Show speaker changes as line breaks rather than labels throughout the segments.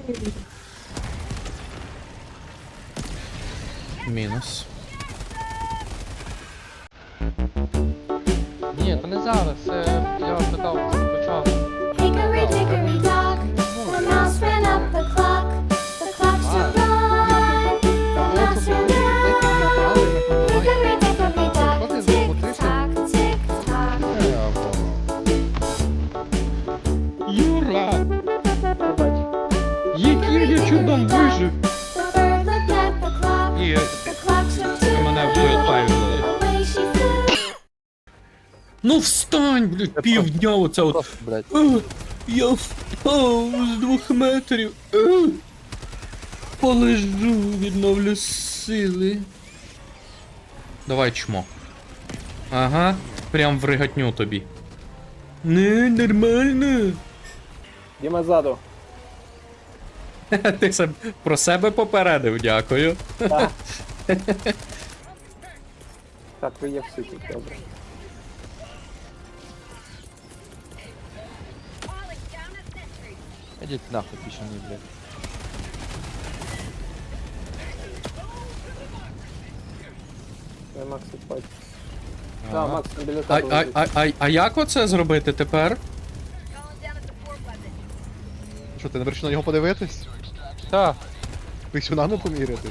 Мінус.
Ні, то не зараз, я питав спочатку.
Hickory dickory dock, the mouse ran up the clock. The clock struck one, the mouse ran down. Hickory dickory dock, tick tock, tick tock.
Юра! Яким я чудом вижив?
The bird looked at the clock.
І
The clock struck two.
мене вбивають.
Away she flew.
Ну встань, блядь, півдня оце от.
Просто, блядь.
Я впав з 2 метрів. Полежу, відновлю сили. Давай чмо. Ага, прям в ригатню тобі. Не, нормально.
Діма ззаду.
Ти про себе попередив, дякую.
Так. Так, ви є всі тут, добре.
Ідіть нахуй пішані, блядь.
Я Макс відходь. Так, Макс, там біля
А,
тебе
а,
лежить.
а як оце зробити тепер?
Що, ти не вирішив на нього подивитись?
Та,
Писюнами помірятись?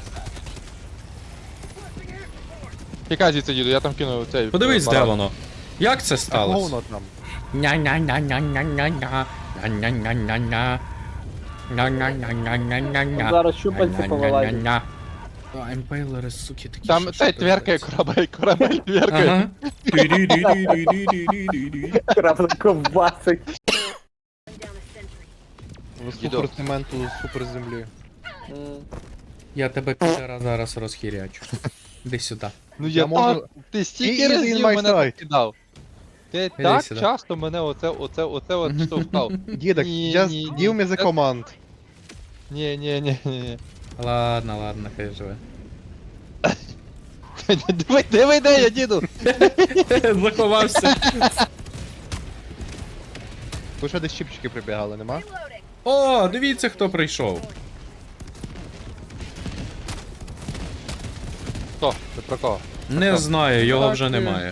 тікай звідси, діду, я там кину цей...
Подивись, де
баран.
воно. Як це
А
сталося?
воно там.
Ня-ня-ня-ня-ня-ня-ня. Ня-ня-ня-ня-ня. Ня-ня-ня-ня-ня-ня.
Зараз щупальці повилазять.
Ня-ня-ня-ня. А, імпейлери, суки, такі.
Там
що
цей тверкає
подобаються.
корабель тверкає.
Ага. Ді-ді-ді-ді-ді-ді-ді-ді.
Крафт ковбасить.
Супер цементу, супер землі.
Я тебе підера зараз розхірячу. Іди сюди.
Ну
Я
я
можу-
так, ти стільки
І- і
разів
in my
мене
sight.
покидав. Ти так
сюди.
часто мене оце от штовхав.
Дідок,
Ні,
just
ні,
give me
ні.
the command.
Ні.
Ладно, ладно, хай живе.
Диви, де я, діду?
Заховався.
Ви що десь чіпчики прибігали, нема?
О, дивіться, хто прийшов.
Хто? Ти про кого?
Не знаю, його
Так,
вже немає.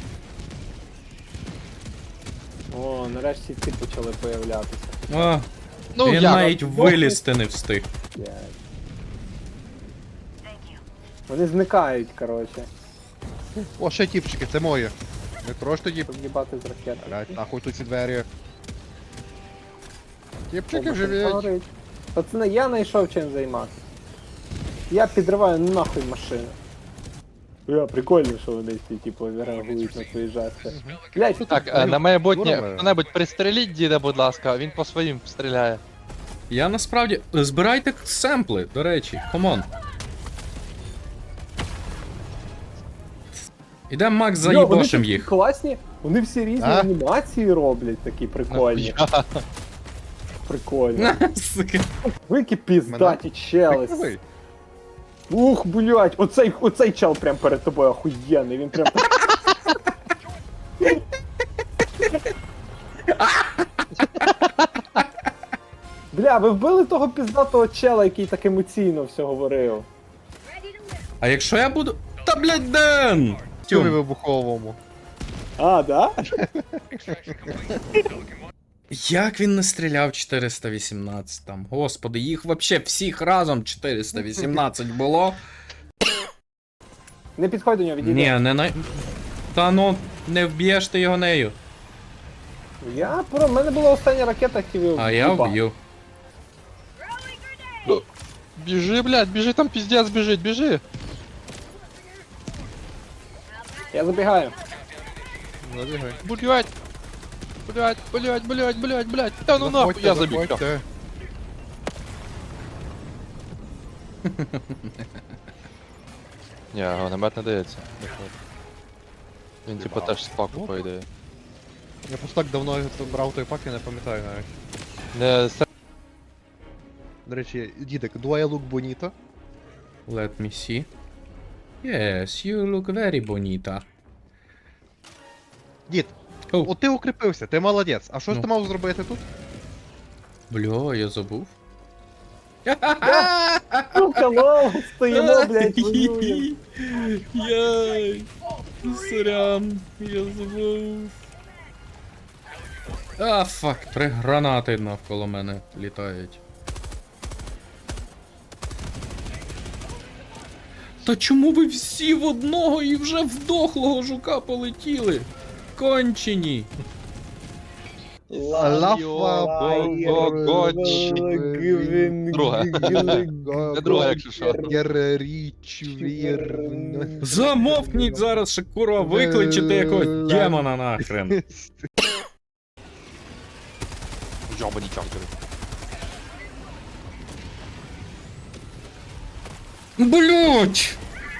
О, нарешті ці почали появлятися.
О,
Ну,
він
я
навіть вилізти не встиг.
Блядь. Вони зникають, коротше.
О, ще тіпчики, це моє. Не трош тоді.
Щоб їбати з ракети.
Блять, нахуй тут ці двері. Тіпчики
О,
живіть.
горить. Пацани, я знайшов чим займатися. Я підриваю нахуй машину. Прикольно, що вони всі, типу, реагують на твої жести. Блядь, що
Так,
тут?
на майбутнє,
Здорово.
хто-небудь пристреліть діда, будь ласка, він по своїм стріляє.
Я насправді. Збирайте семпли, до речі, камон. Ідем, Макс,
Йо, вони
заїбошим
такі
їх.
класні, вони всі різні
А?
анімації роблять, такі прикольні. Прикольні.
Сука.
Ви які піздаті чели.
Прикривий.
Ух, блядь, оцей чел прям перед тобою охуєнний, він прям так... Бля, ви вбили того піздатого чела, який так емоційно все говорив.
А якщо я буду. Та блядь, Ден!
Тюмі
Тюм.
вибуховому.
А, да?
Як він не стріляв 418 там? Господи, їх вообще всіх разом 418 було.
Не підходь до нього, відійди.
Ні, не на. Та ну, не вб'єш ти його нею.
В мене була остання ракета, активів.
А я вб'ю.
Біжи, блядь, біжи, там піздець біжить, біжи.
Я забігаю.
Забігай.
Блядь. Блядь. Та ну нахуй, я забіг. всьо.
Заходьте.
Ні, граномет не дається. Він типу теж з паку, по ідеї.
Я просто так давно брав той пак, я не пам'ятаю навіть.
Не
До речі, дідик, do I look bonito?
Let me see. Yes, you look very bonita.
Дід,
Оу.
от ти укріпився, ти молодець. А що ж
Ну.
ти мав зробити тут?
Бля, я забув.
Сука, лол, стоїмо, блядь, воюємо.
Яй. Сорян, я забув. А, фак, 3 гранати навколо мене літають. Та чому ви всі в одного і вже в дохлого жука полетіли? Кончені.
Друга. Це друга, якщо що.
Замовкніть зараз, ще курва викличете якогось демона нахрен.
Йобані чортери.
Блять!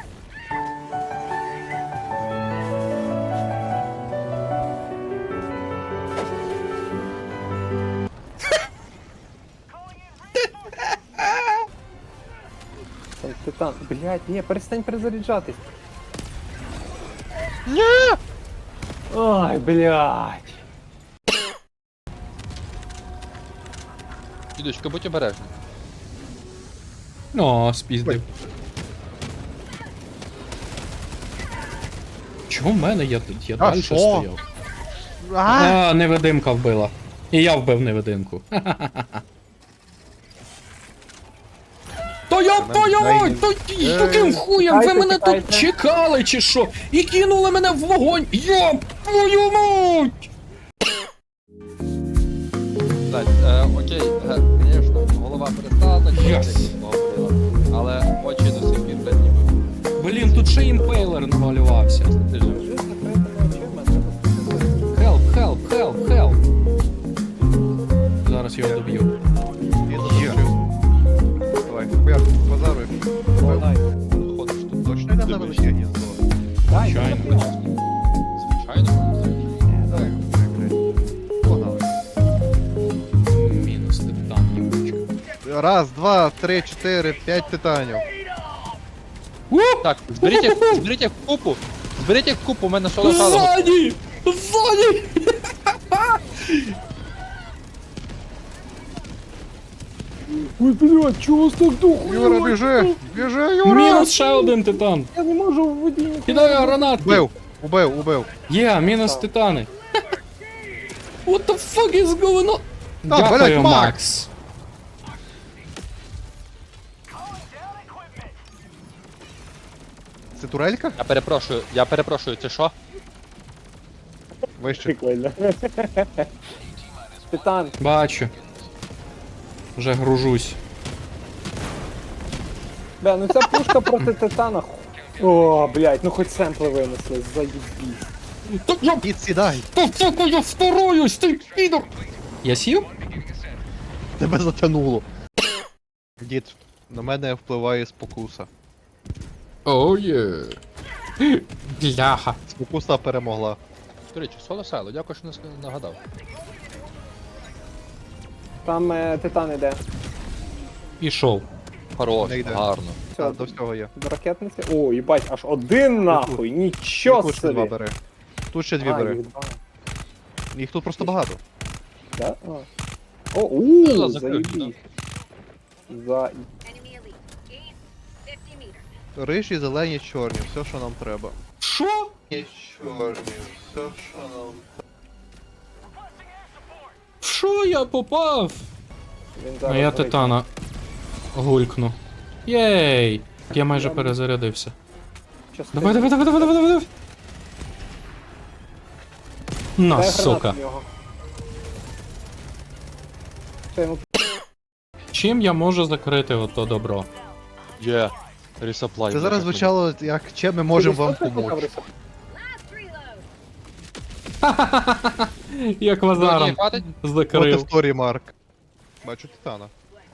Там титан. Блядь, ні, перестань перезаряджатись. Ой, блядь.
Дідочка, будь обережний.
О, спіздив. Чого в мене? Я далі
що?
стояв. А, невидимка вбила. І я вбив невидимку. То я твою мать! То яким хуєм ви мене тут чекали чи що? І кинули мене в вогонь! Йоп твою мать!
Так, окей, звісно, голова перестала так
Yes.
говорила, але очі до сих пір блядь, ніби.
Блін, тут ще імпейлер намалювався.
Ти ж
Вже з закритими очима треба.
Help, help, help, help. Зараз його доб'ю.
Давай, хуяк, базаруй.
Дай.
ходиш тут.
Точно йде на велике гніздо?
Дай.
Звичайно.
Звичайно.
Давай, блядь. Погнали.
Мінус титан, їбучка.
Раз, два, три, чотири, 5 титанів.
Так, зберіть їх в купу. Зберіть їх в купу, у мене соло сало.
Ззаді! Ззаді!
Ой, блядь, чого так духу?
Юра, біжи! Біжи, Юра!
Мінус ще один титан.
Я не можу в воді ніколи.
Кидаю гранатки.
Убив.
Є, мінус
Так.
титани. What the fuck is going on?
Так,
Дякую,
блядь, Макс.
Макс.
Це турелька?
Я перепрошую, це що?
Вище.
Прикольно. Титан.
Бачу. Вже гружусь.
Бля, ну ця пушка проти титана. О, блядь, ну хоч семпли винесли, заїбісь.
Так я
Підсідай!
я вторуюсь, ти підор! Я сів?
Тебе затянуло. Дід, на мене впливає спокуса.
О, є. Бляха.
Спокуса перемогла.
До речі, соло сало, дякую, що нагадав.
Там титан іде.
Пішов.
Хорош,
Не йде.
гарно.
Все,
До всього є.
до ракетниці. О, їбать, аж один нахуй, нічого
Тут ще два
собі.
бери. Тут ще дві
А,
бери.
їх два.
Їх тут просто багато.
Да? А. О,
Ну, закрив,
заїбісь. За...
Enemy elite. East, 50 meters.
Рижі, зелені, чорні, все, що нам треба.
Що?
Чорні, все, що нам.
В що я попав?
Він
А
зараз
я
горить.
титана гулькну. Єй! Я майже перезарядився.
Частина.
Давай. На,
Дай
сука.
гранату в нього. Що йому
Чим я можу закрити ото добро?
Є. Ресаплай.
Це зараз звучало, як чим ми можемо вам
Скільки
допомогти.
штук
Last reload.
Як вазаром
хватить?
От
закрив.
історії, Марк. Бачу титана.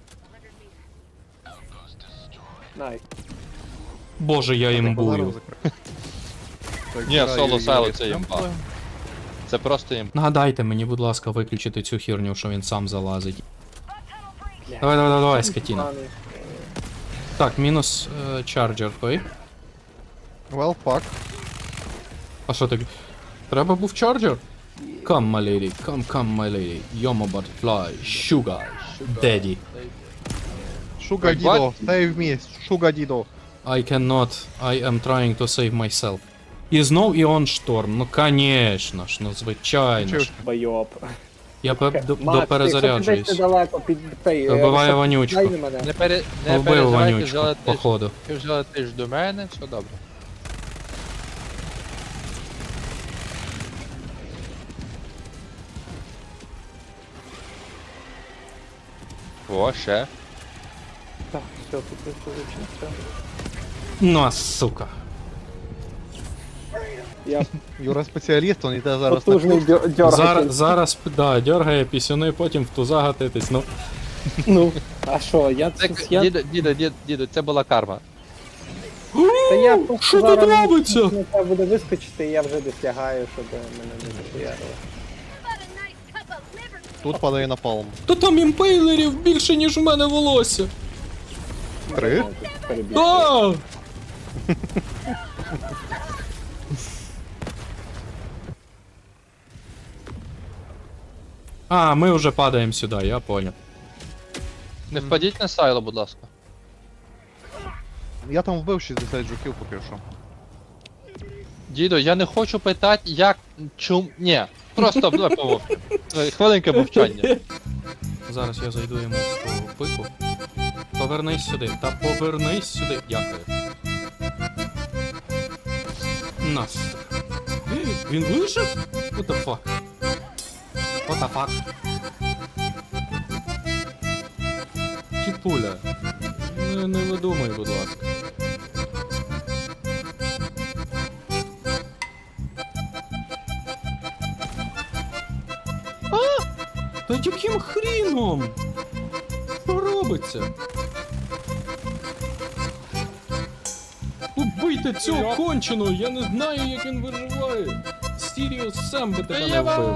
Най.
Боже, я імбую.
Ні, соло сало це імба. Це просто імба.
Нагадайте мені, будь ласка, виключити цю херню, що він сам залазить. Давай, скотіна.
Поганий.
Так, мінус чарджер той.
Well, fuck.
А що таке? Треба був чарджер? Come, my lady, come, my lady. You're my butterfly, sugar, daddy.
Шуга
Wait,
дідо,
what?
save me, шуга дідо.
I cannot, I am trying to save myself. І знов Іон Шторм, ну конечно ж, ну звичайно ж.
Байоп.
Я
Макс,
доперезаряджуюсь.
якщо ти десь недалеко під цей...
Вбиваю
щоб-
вонючку.
дай мене.
Не
Вбив
переживайте,
вонючку,
взяли ти ж-
походу.
ти взяли ти ж до мене, все добре. О, ще.
Так, все, тут все.
Ну, а сука.
Я
Юра спеціаліст, він йде зараз на
потужний
курс.
дьоргатель.
Зараз, да, дергає пісюни, потім в туза гатитись, ну.
Ну, а що,
Діду, це була карма.
Та я просто
Що тут
зараз
робиться?
не треба буде вискочити, і я вже десь лягаю, щоб мене не захуярило.
But a nice cup of liver.
Тут падає напалм.
То там імпейлерів більше, ніж у мене волосся.
3?
Да! А, ми вже падаємо сюди, я понял.
Не впадіть на сайло, будь ласка.
Я там вбив 60 жуків поки що.
Дідо, я не хочу питати, як. Ні. Просто давай помовчи. Хвилинка мовчання.
Зараз я зайду йому в пику. Повернись сюди. Та повернись сюди. Дякую. Нас. Він вижив? What the fuck? What the fuck? Тіпуля. Не видумай, будь ласка. Та яким хріном? Що робиться? Убийте цього конченого, я не знаю, як він виживає. Сіріус сам би тебе не вбив.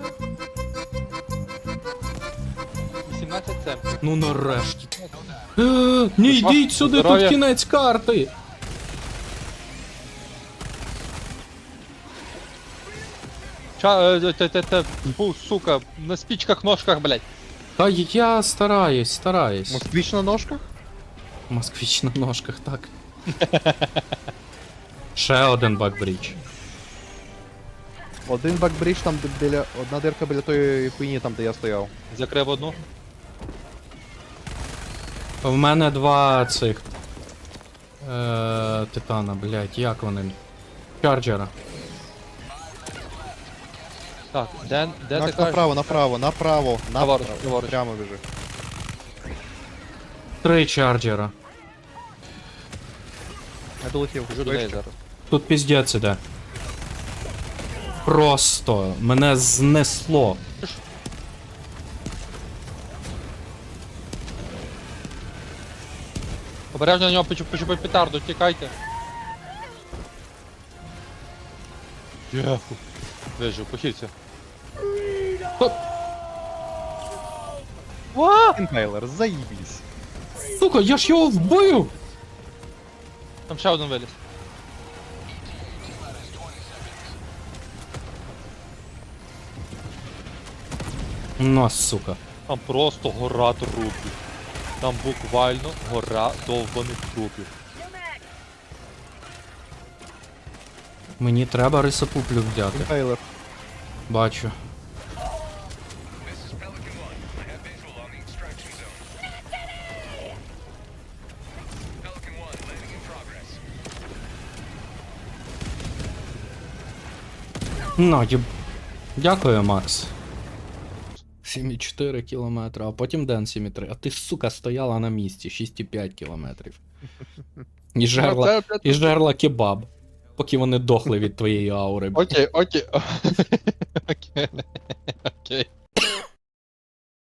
18 центів.
Ну нарешті. Не йдіть сюди, тут
Здоров'я.
кінець карти.
Сука, на спичках, ножках, блядь.
Та я стараюсь.
Москвич на ножках?
Москвич на ножках, так. Ще один бакбрідж.
Один бакбридж там біля... Одна дирка біля тої хуйні там, де я стояв.
Закрив одну.
В мене два цих. Титана, блять, як вони? Чарджера.
Так, де ти кажеш?
Направо.
Праворуч.
Прямо біжи.
3 чарджера.
Я долетів.
Кажу до неї зараз.
Тут піздець іде. Просто мене знесло.
Обережно на нього почупи петарду, тікайте. Єху. Вижу, похильця.
Інхейлер, заїбісь.
Сука, я ж його вбив!
Там ще один виліз.
Ну, сука.
Там просто гора трупів. Там буквально гора довбаних трупів.
Мені треба рисопуплю взяти.
Інхейлер.
Бачу. Ну, Дякую, Макс. 7,4 кілометра, а потім Ден 7,3. А ти ж, сука, стояла на місці, 6,5 кілометрів. І жерла кебаб. Поки вони дохли від твоєї аури.
Окей. Окей.